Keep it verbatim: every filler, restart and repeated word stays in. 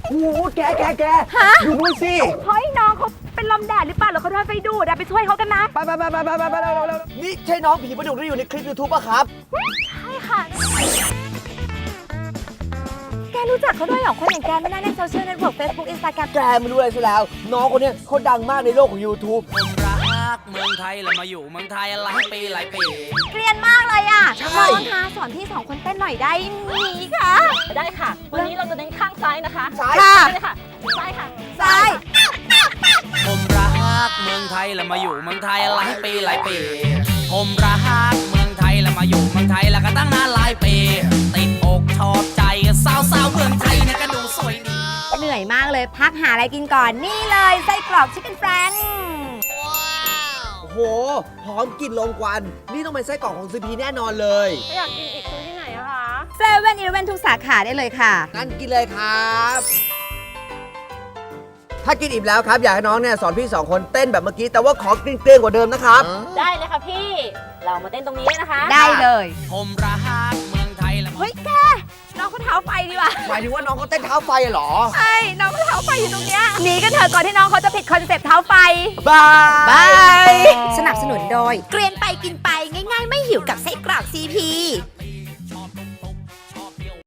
โอ้โหแกแกแกดูนู่นสิเฮ้ยน้องเขาเป็นลมแดดหรือเปล่าหรือเขาโดนไฟดูดอะไปช่วยเขากันนะไปไปไปไปไปไปนี่ใช่น้องผีประดุกที่อยู่ในคลิป YouTube ป่ะครับใช่ค่ะแกรู้จักเขาด้วยเหรอคนอย่างแกไม่น่าเล่นโซเชียลเน็ตเวิร์ก Facebook Instagram แกไม่รู้อะไรซะแล้วน้องคนนี้เขาดังมากในโลกของ YouTube ผมรักเมืองไทยแล้วมาอยู่เมืองไทยหลายปีหลายปีเกรียนมากเลยอ่ะใช่น้องคะสอนพี่สองคนเต้นหน่อยได้ไหมคะได้ค่ะ วันนี้เราจะเน้นข้างซ้ายนะคะซ้ายค่ะได้เลยค่ะ ซ้ายค่ะซ้ายผมรักเมืองไทยแล้วมาอยู่เมืองไทยหลายปีหลายปี ผมรักเมืองไทยแล้วมาอยู่เมืองไทยแล้วก็ตั้งนานหลายปีติดอกชอบใจสาวสาวๆเมืองไทยเนี่ยก็ดูสวยดีเหนื่อยมากเลยพักหาอะไรกินก่อนนี่เลยไส้กรอกชิคเก้นแฟรงค์โอ้โหหอมกลิ่นลมควันนี่ต้องเป็นไส้กรอกของซีพีแน่นอนเลยถ้าอยากกินอีกซื้อที่ไหนอะคะเซเว่นอีเลฟเว่นทุกสาขาได้เลยค่ะงั้นกินเลยครับ ถ้ากินอิ่มแล้วครับอยากให้น้องเนี่ยสอนพี่สองคนเต้นแบบเมื่อกี้แต่ว่าขอเกลี้ยงๆกว่าเดิมนะครับได้เลยค่ะพี่ เรามาเต้นตรงนี้นะคะได้เลยผมรักเมืองไทยแล้วเฮ้ยแกน้องเขาเท้าไฟดีว่ะหมายถึงว่าน้องเขาเต้นเท้าไฟเหรอใช่น้องเขาเท้าไฟอยู่ตรงเนี้ยหนีกันเถอะก่อนที่น้องเขาจะผิดคอนเซ็ปต์เท้าไฟบายบายสนับสนุนโดย เกรียนไปกินไปง่ายๆ ไม่หิวกับไส้กรอกซีพี